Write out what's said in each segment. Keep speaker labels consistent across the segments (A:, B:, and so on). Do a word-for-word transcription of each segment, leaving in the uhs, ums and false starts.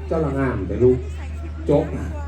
A: เจ้าละงามแต่ลูกจก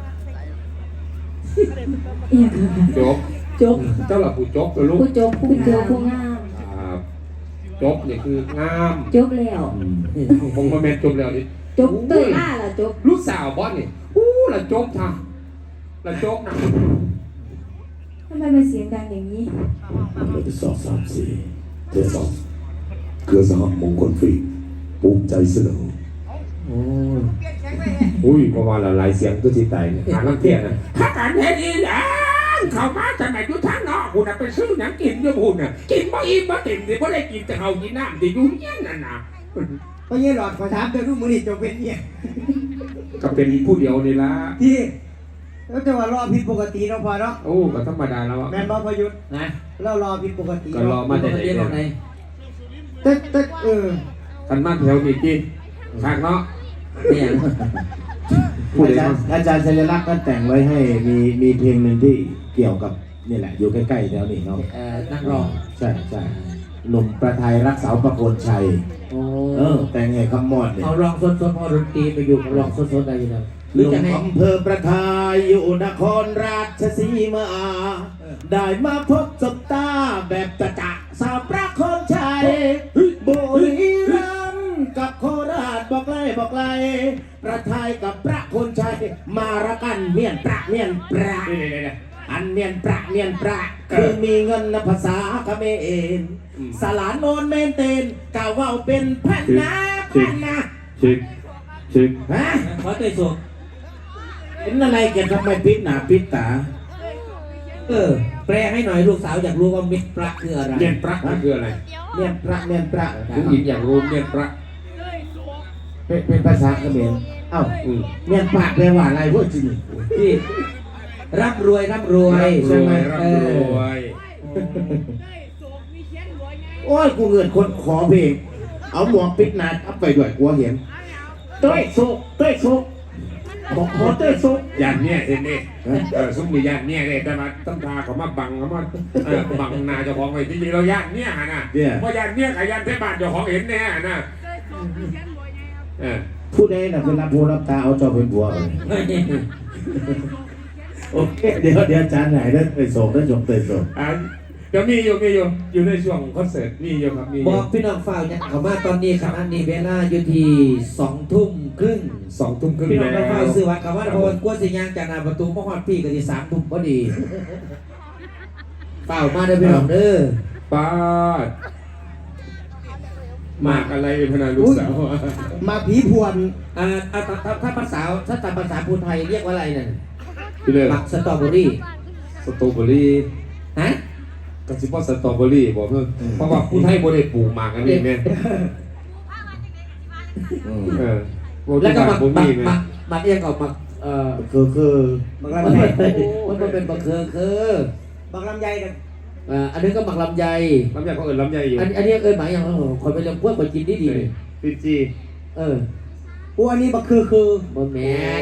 A: จก
B: จบ
A: เจ้าละผู้จกแต่ลูก
B: ผู้จบผู้เจอผู้งาม
A: จบนี่คืองาม
B: จบแล้ว
A: ผมคอมเมนต์จบแล้วนี่
B: จบเตยหน้าล่ะจบ
A: ลูกสาวบอสนี่อู้ละจบท่าละจบนะ
B: ทำไมมันเสียงดังอย่างนี้
C: เราจะสอบสามสี่เทสองเครือสหมงคลฟรีภูมิใจเสนอ
A: โอ้อุ้ยประมาณละหลายเสียงตัวที่ไตเนี่ยหาลังเทียนนะถ้าการเฮ็ดอีหยังเข้ามาจะไหนอยู่ทางนอกคุณน่ะไปซื้อหนังกินอยู่คุณน่ะกินบ่อิ่มบ่เต็มสิบ่ได้กินแต่เขากินน้ำที่อยู่เงี้ยนั่นน่ะ
D: ก็ยี่หลอดขอถามเธอทุกมือนี่จะเป็นเนี่ย
A: ก็เป็นผู้เดียวนี่ละ
D: ที่แล้วจะว่ารอผิดปกติเนาะพอเนาะ
A: โอ้ก็ธรรมดาแล้ว
D: แม่นบ่พยุทธ์
A: นะ
D: เรารอผิดปกติ
A: ก็รอมาแต่ไหนเนี่ย
D: ตึ๊ดตึ๊ดเออ
A: ทันมาแถวนี้กินข้างเนาะเนี่ย
C: อาจารย์อาจารย์ชัยลักษณ์ก็แต่งไว้ให้มีมีเพลงหนึ่งที่เกี่ยวกับนี่แหละอยู่ใกล้ๆแถวนี้เนาะ
B: เออนักร้อง
C: ใช่ใช่หนุ่มประไทยรักษาประโคนชัยเออแต่งไงคำมอดเนี่ย
B: เอาลองสดๆพอดนตรีไปอยู่ลองสดๆได้ยังไง
C: หนุ่มอำเภอประทายอยู่นครราชสีมาได้มาพบสบตาแบบจะจะสาวประโคนชัยบุรีรัมย์กับโคราชบอกไล่บอกไล่ประทายกับประโคนชัยมาระกันเมียนประเมียนประอันเมียนประเมียนประคือมีเงินภาษาเขมรสลานโนนเมนเตนกาวว่าเป็นพันนาพันนาชิกชิกฮะ
B: ขอเตยสุ
C: เป็นอะไรแกทำไมปิดหนาปิดตา
B: เออแปลให้หน่อยลูกสาวอยากรู้ว่าเมียนประคืออะไร
A: เมียนประคืออะไร
C: เมียนประเมียนประ
A: ผู้หญิงอยากรู้เมียนประ
C: เป็นภาษาเขมรเอ้าเมียนประแปลว่าอะไรพวกจริง
B: ที่ร่ำรวยร่ำรวย
A: ใช่ไหมร่ำรวย
C: โอ้ยกูเงินคนขอเพลงเอาหมวกปิดหนาทับไปด้วยกลัวเห็นเต้ยโซเต้ยโซบอกขอเต้ยโซ
A: ยันเนี่ยเห็นนี่เออซุ้มมียันเนี่ยเลยแต่มาตั้งตาเขามาบังเขามาบังนาเจ้าของไว้จริงๆเรายันเนี่ยนะเพราะยันเนี่ยกับยันเทพบาทเจ้าของเห็นแน่นะ
C: ผู้ใดน่ะเป็นรับผู้รับตาเอาเจ้าเป็นบัวโอเคเดี๋ยวเดี๋ยวจานไหนได้เต้ยโซได้จบเต้ยโซ
A: เดี๋ยวมีอยู่มีอยู่อยู่ในช่วงคอนเสิร์ตมีอยู่ครับมี
B: บอกพี่น้องฝ่ายเนี่ยเขามาตอนนี้ครับอันนี้เวลาอยู่ที่สองทุ่มครึ่ง
A: สองทุ่มครึ่ง
B: พี่น้องฝ่ายซื้อวัดเขาว่าพอกลัวสิยางจากหน้าประตูมหอดพี่ก็ที่สามทุ่มพอดีเปล่ามาเด้อพี่น้องเด้อ
A: ป้าดมากอะไรพนันลูกสาว
D: มาผีพวน
B: อ่าถ้าภาษาถ้าตามภาษาพูดไทยเรียกว่าอะไรนั่นมักสตรอเบอรี่
A: สตรอเบอรี่
B: ฮะ
A: กระสิบว่าสตรอเบอรี่บอกเพิ่มเพราะว่าผู้ไทยโบได้ปลูกหมากกันนี่แม่
B: แล้วก็หมักหมักหมักหมักเองกับหมักเอ่อ
C: คือคือ
B: มันมันมันเป็นบักคือคือ
D: บักลำไยกัน
B: อ่าอันนี้ก็หมักลำไย
A: ลำไยเขาเอิญลำไยอยู่
B: อันอันนี้เอิญหมายอย่างคนไปเลี้ยงพวกไปกินดีดี
A: ฟิจี
B: เออ
D: กูอันนี้บักคือคือบ
B: นแมน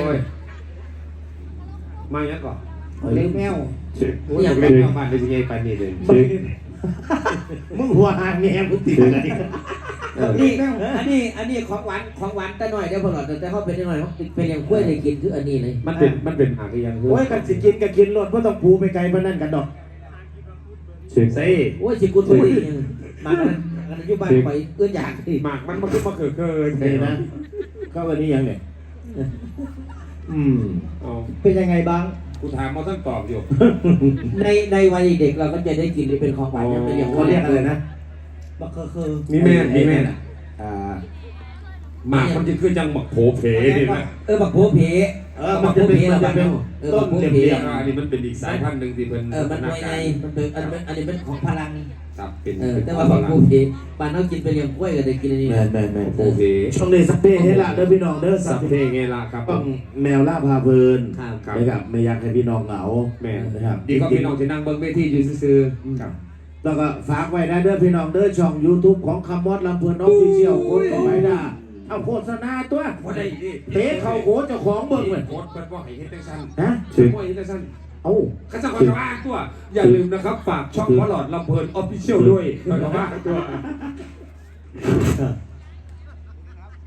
A: มาอย่างก่อน
D: เลี้ยงแมว
A: อยากเล่นแมวบ้านเป็นยังไงไปนี่เลย
C: มึงหัวหางแมวกูติดอะไร
B: นี่อันนี้อันนี้ของหวานของหวานแต่หน่อยเดี๋ยวพอหลอดแต่เขาเป็นหน่อยเป็นอย่างกล้วยเลยกินคืออันนี้เลย
A: มันเป็นมันเป็นหางยัง
C: โอ้ยกันสิกินกันกินรถเพราะต้องปูไปไกลมานั่นกันดอก
A: เชื่อสิ
B: โอ้ยสิกุลทุยมากันกันอยู่บ้านไปเอื้อนอยากสิ
A: หมากมันมันคือมาเกิดเกิน
C: เลยนะก็วันนี้ยังเนี่ย
A: อืม
D: เป็นยังไงบ้าง
A: กูถามมาต้องตอบอยู่
B: ในในวัยเด็กเราก็จะได้กินเป็นของหวานอย่าง
C: เขาเรียกอะไรนะ
D: บักคือคือ
A: มีแม่มีแม่อ่าหมากมันจะคือจังหมักโผเพนี่นะ
B: เออหมักโผเพ
C: เออมันจะเป็นมันจะเป็นต้นเดียว
A: อันนี้มันเป็นอีกสายพันธุ์หนึ่งที่เป็น
B: เออมันไงไงมันเป็นอันนี้อันนี้เป็นของพลัง
A: ครับเป็น
B: เออแต่ว่าหมักโผเพบ้านเรากินไปเลี้ยงกล้วยก็ได้กินอันนี้
C: แม่แม่แม่
A: โผเพ
C: ช่วงนี้สักเพให้ละเด้อพี่น้องเด้อ
A: สักเพไงล่ะครับ
C: ต้องแมวล่าพาเพลินนะครับไม่อยากให้พี่น้องเหงา
A: แม่นะครับดีก็พี่น้องที่นั่งเบิ้งเวทีอยู่ซื่อๆครับ
C: แล้วก็ฝากไว้นะเด้อพี่น้องเด้อช่อง YouTube ของคำมอดลำเพลินออฟฟิเชียลโค้ดก็ไปได้เอาโฆษณาตัวเตะเข่าโค้ดเจ้าของเบิ้งเลย
A: โค้ดเป็นว่าให้เฮ็ดได้สั้น
C: ฮะ
A: เชื่อว่าเฮ็ดได้สั้น
C: เอ้า
A: ข้าจะขอจะว่าตัวอย่าลืมนะครับฝากช่องวอลลอดลำเพลินออฟฟิเชียลด้วยขอจะว่าตัว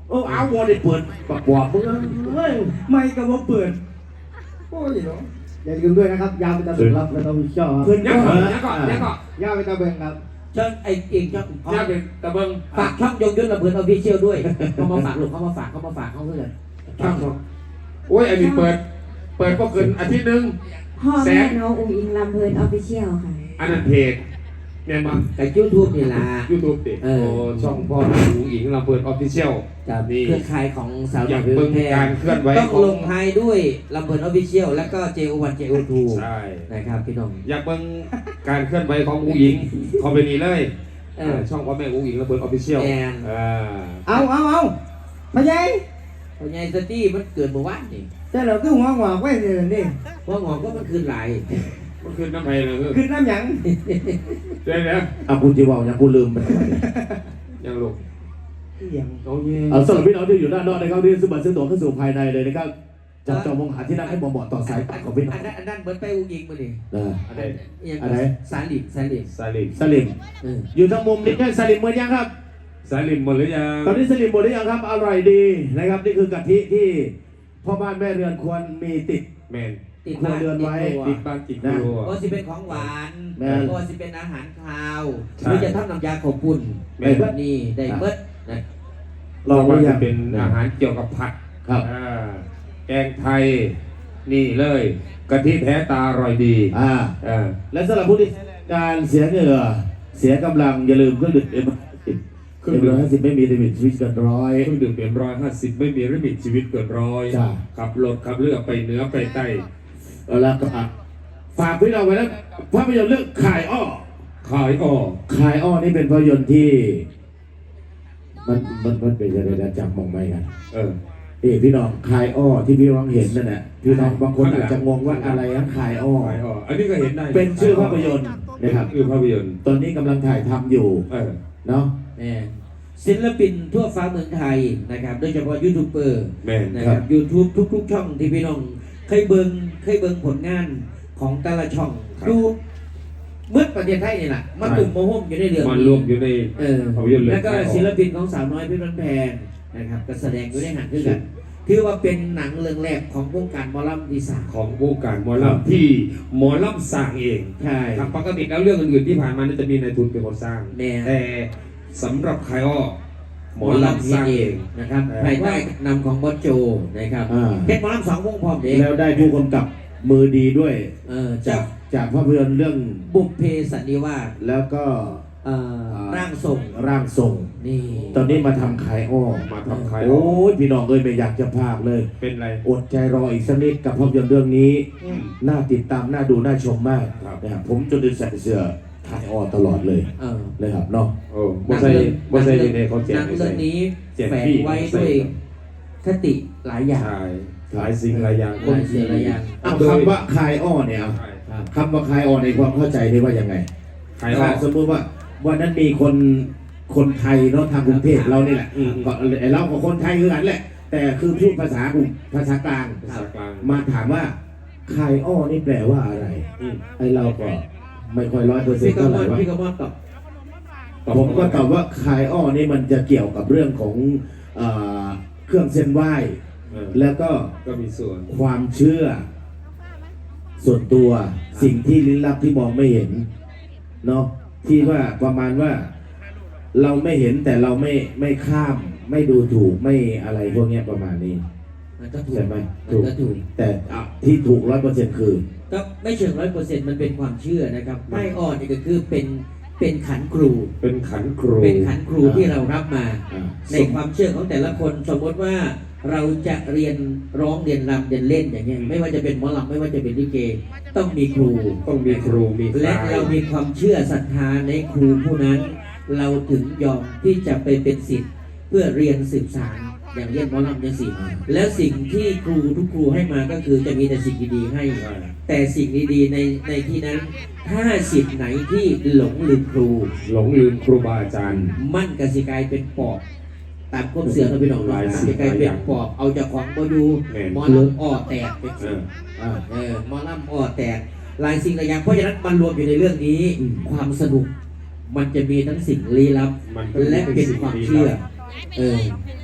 C: โอ้เอาวอได้เปิดประกอบมึงเฮ้ย
D: ไม่ก็ว่าเปิดโอ้ยเนาะอย่าลืมด้วยนะครับยาวไปตาสุดรับแล้วต้องมีช่อ
C: เพื่อน
A: ยั
C: ก็
A: งก่อนยังก่อนยังก่อน
D: ยาวไปตาเบงครับ
B: เชิญไอ้เองช่อง
A: ยังเป็นตะเบิง
B: ฝากช่องยงยุทธระเบิดออฟฟิเชียลด้วยเขามาฝากลูกเขามาฝากเขามาฝากเขาเพื่อน
A: ช่างครับโอ้ยอันนี้เปิด เปิดก็เกินอาทิตย์หนึง
E: พ่อแม่น้องอุ้งอิงลำเพลินออฟฟิเชียลค่ะ
A: อันนั้นเพจแม่นบ้าง
B: กับยูทูบนี่ล่ะ
A: ยูทูบติ
B: เอ
A: โอ้
B: อ
A: ช่องพ่อหญิงหญิงลำเปิดออฟฟิเชียล
B: กับ
A: นี่
B: เครือข่ายของสาว
A: อยาก
B: น้
A: เบิ่ง
B: แพร่
A: การเคลื่อนไหว
B: ต้อง
A: ของ
B: ลงท้ายด้วยลำเพลินออฟฟิเชียลแล้วก็ เจ โอ วัน เจ โอ ทู
A: ใช่
B: นะครับพี่น้อง
A: อยากเบิ่งการเคลื่อนไหวของอุ้งหญิงเขาไปนี่เลย
B: เออ
A: ช่องพ่อแม่อุ้งหญิงลำเปิดออฟฟิเชียล
B: แอน
A: อ่า
D: เอาเอาเอาพะยัย
B: พญายสตี้มันเกิดเมื่อวานนี่
D: แต่เราคือหัวหงอกไว้เนี่ยนี่
B: เพราะงอกก็มันคืนหลาย
A: มันคือน้ำไผ่เลยคือ
D: ขึ้นน้ำหยัง
A: เดี๋ยวนะ
C: เอาคุณจีวาวยังกูลืมไป
A: ยังลูก
D: หยัง
A: โอ้ย
C: เอาสำหรับพี่น้องที่อยู่ด้านนอกนะครับที่ซื้อบัตรซื้อตั๋วเข้าสู่ภายในเลยนะครับจับจองมองหาที่นั่งให้เหมาะๆต่อสายตาของพี่น้อ
B: อั
C: ง
B: นนั้นอันนั้นเหมือนไปอุ้งอิงมาดิ
C: นะ
A: อะไร
B: ยัง
C: อะไร
B: สาลิมสาลิม
A: สาลิม
C: สลิม
B: เออ
C: อยู่ทางมุมนี้ใช่สลิมหมดยังครับ
A: สาลิมหมดหรือยัง
C: ตอนนี้สลิมหมดหรือยังครับอร่อยดีนะครับนี่คือกะทิที่พ่อบ้านแม่เรือนควรมีติด
A: แมน
B: ติดบ้าน
C: ครัวเรือนไว้
A: ติดบ้านติดครัว
B: ก็สิเป็นของหวาน
C: แม่น
B: ก็สิเป็นอาหารคาว
A: ใช่
B: หรือจะทำน้ำยาขอบปุ่น
A: แม่น
B: แบบนี้ได้เบิดนะ
C: ลองไว้
A: ว่า
C: ยั
A: จะ
C: ง
A: เป็นอาหารเกี่ยวกับผัด
C: ครับ
A: อ่าแกงไทย นี่เลยกะทิแท้ตาอร่อยดี
C: อ่า
A: อ่า
C: และสำหรับผู้ที่การเสียเหงื่อเสียกำลังอย่าลืมเครื่องดื่มเอ็มสิบเครื่องดื่มห้าสิบไม่มีลิมิตชีวิตเกินร้อย
A: เครื่องดื่มเป็นร้อยห้าสิบไม่มีลิมิตชีวิตเกินร้อย
C: จ้ะ
A: ขับรถขับเรือไปเหนือไปใต้
C: เอาละก็อ่ะฝากพี่น้องไว้แล้วภาพยนตร์เรื่องขายอ้อ
A: ขายออก
C: ขายอ้อนี่เป็นภาพยนตร์ที่ มันมันมันเป็นอะไรนะจำมองไม่กัน
A: เออ
C: เอ้พี่น้องขายอ้อที่พี่น้องเห็นนั่นแหละพี่น้องบางคนอาจจะงงว่าอะไรนะขายอ้อ
A: ขายออกอันนี้ก็เห็นได้
C: เป็นชื่อภาพยนตร์นะครับ
A: คือภาพยนตร์
C: ตอนนี้กำลังถ่ายทำอยู่
A: เออ
C: เนาะ
B: แน่ศิลปินทั่วฟ้าเมืองไทยนะครับโดยเฉพาะยูทูบเบอร์
A: แม่น
B: นะครับยูทูบทุกๆ ช่องที่พี่น้องเคยเบิงเคยเบิงผลงานของแต่ละช่องดูเมื่อประเทศไทยนี่แหละมาตุ่มโมโหมอยู่ในเรื่อง
A: มันรวมอยู่ใน
B: เออ
A: ภาพยนตร์เลย
B: แล้วก็ศิลปินของสาวน้อยเพี่บันแพงนะครับก็แสดงอยู่ในหันด้วยกันถือว่าเป็นหนังเรื่องแรกของวงการหมอลำดีสาน
A: ของวงการหมอลำที่หมอลำสร้างเอง
B: ใช่
A: ครับปกติแล้วเรื่องอื่นๆที่ผ่านมานี่จะมีนายทุนเป็นคนสร้าง
B: แน่
A: แต่สำหรับใครอ้อหมอลำสร้างเอง
B: นะครับ
A: เออ
B: ภายใต้นำของบอสโจนะครับ
C: อ่า
B: เพชรหมอลำสองวงพร้อมเด็ก
C: แล้วได้ผู้กำกับมือดีด้วย
B: เออ
C: จา
B: จาก ก
C: จากภาพยนตร์เรื่อง
B: บุพเพสันนิวาส
C: แล้วก็
B: เอ่อร่างทรง
C: ร่างทรง
B: นี่
C: ตอนนี้มาทำขายอ้อ
A: มาทำใครอ้
C: โอ้
A: อย
C: พี่น้องเอ้ยไม่อยากจะพากเลย
A: เป็นไร
C: อดใจรออีกสักนิดกับภาพยนตร์เรื่องนี้
A: อืม
C: น่าติดตามน่าดูน่าชมมาก
A: ครับ
C: นะครับผมจนได้ใส่เสื้อขายอ้อตลอดเลย
B: เออ
C: เลยครับเนาะ
A: โอ้บ่ใช่บ่ใช่ในเขาแจ
B: หนั
A: ก
B: ง
A: ไม่
B: เรื่
A: ใช่
B: องนี้
A: แจก
B: แฝง
A: ฟรี
B: ไว้ด้วยคติหลายอย่าง
A: ใช่หลายสิ่งหลายอย่าง
B: หลายสิ่งหลายอย่าง
C: เอาคำว่าคายอ้อเนี่ยเอา
A: ใช่
B: ครับ
C: คำว่าคายอ้อในความเข้าใจนี่ว่ายังไง
A: ใครอ้อ
C: สมมติว่าวันนั้นมีคนคนไทยเนาะทางกรุงเทพเรานี่แหละ
A: อืม
C: ก็ไอ้เรากับคนไทยคือกันแหละ แต่คือพูดภาษากรุงภาษากลาง
A: ภาษากลาง
C: มาถามว่าคายอ้อนี่แปลว่าอะไร
A: อืม
C: ไอ้เราก็ไม่ค่อยร้อยเปอร์เซ็น
B: พี่
C: ต์
B: ก
C: เท่า
B: ม
C: ไหร่
B: ล
C: วะ
B: พี่กมลตอบ
C: ผมก็ตอบว่าคายอ้อนี่มันจะเกี่ยวกับเรื่องของเอ่อเครื่องเส้นไหว้
A: เออ
C: แล้วก็
A: ก็มีส่วน
C: ความเชื่อ ส่วนตัวสิ่งที่ลี้ลับที่มองไม่เห็นเนาะที่ว่าประมาณว่า เราไม่เห็นแต่เราไม่ไม่ข้าม ไม่ดูถูกไม่อะไรพวกเนี้ยประมาณนี้
B: มันก็ถูก
C: ใช่ไหม
B: มัน
C: ถูก
B: ก็ถูก
C: แต่อ่ะที่ถูกร้อยเปอร์เซ็นต์คือ
B: ก็ไม่เชิงร้อยเปอร์เซ็นต์มันเป็นความเชื่อนะครับไม่อ่อนนี่ก็คือเป็นเป็นขันครู
A: เป็นขันครู
B: เป็นขันครูที่เรารับมา
C: อ่า
B: ในความเชื่อของแต่ละคนสมมติว่าเราจะเรียนร้องเรียนรำเรียนเล่นอย่างเงี้ยไม่ว่าจะเป็นหมอลำไม่ว่าจะเป็นลิเก ต้องมีครู
A: ต้องมีครูมี
B: และ
A: ฝ่ย
B: เรามีความเชื่อศรัทธาในครูผู้นั้น เราถึงยอมที่จะไปเป็นศิษย์เพื่อเรียนสืบสานอย่างเรียนหมอลำอย่างสิ่งแล้วสิ่งที่ครูทุกครูให้มาก็คือจะมีแต่สิ่งดีๆให้
A: ใช่
B: แต่สิ่งดีๆในในที่นั้น ถ้าสิทธิ์ไหนที่หลงลืมครู
A: หลงลืมครูบาอาจารย์
B: มั่นกสิกลายเป็นปอบตามความเสือเราไปหนอง
A: หลายสิ่
B: สิ
A: ง
B: กลาย
A: หลายอ
B: เป็น
A: ย่าง
B: ปอบเอาจากของมาดู
A: แม่น
B: หมอลำอ้อแตกเป็น
A: เออ
C: อ่า
B: เออหมอลำอ้อแตกหลายสิ่งหลายอย่างเพราะฉะนั้นมันรวมอยู่ในเรื่องนี้
C: อืม
B: ความสนุก มันจะมีทั้งสิ่งลี้ลับ
A: มัน
B: และเป็นความเชื่อ เออ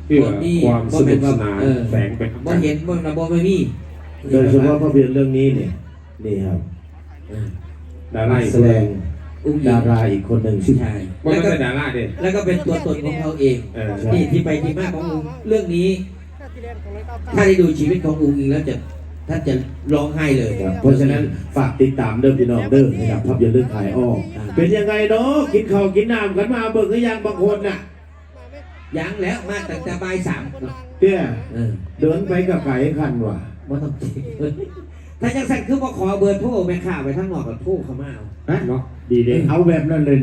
A: เพื่อ
B: บ่มี
A: ความสนุกสนาน
B: เออ
A: แฝงไป
B: บ่เห็นบ่นะบ่ไม่มี
C: โดยเฉพาะภาพยนตร์เรื่องนี้เนี่ยนี่ครับ
B: เออ
A: ดารา
C: นักแสดง
B: อุ้งอิ
C: ดาง ราอีกคนหนึ่งชื่อ
B: ใช่
A: ว่า
B: แล้ว
A: ไม่
B: ก็
A: ใช่ดาราเด็
B: แล้วก็เป็นตัวตนของเขาเอง
A: เออ
B: นี่ที่ไปที่มาของอุ้งเรื่องนี้ ถ้าได้ดูชีวิตของอุ้งอิงแล้วจะท่านจะร้องไห้เลย
C: ครับเพราะฉะนั้นฝากติดตามเดิมพี่น้องเดิมนะครับภาพยนตร์เรื่องขายอ้อเป็นยังไงเนาะกินข้าวกินน้ำกันมาเบิกหรือยังบางคนน่ะ
B: ยังแล้วมาตั้งแต่บ่ายสาม
C: เตี้ย
B: เออ
C: เดินไปกับไก่คันว่ะ
B: บ่ต้องคิดถ้าจังสั่นคือบ่ขอเบอร์โทรแม่ค้าไปทั้งนอกกับโทรเข้ามาเอา
C: ฮะ
A: เนาะดีเด้
C: เอาแบบนั้นเลย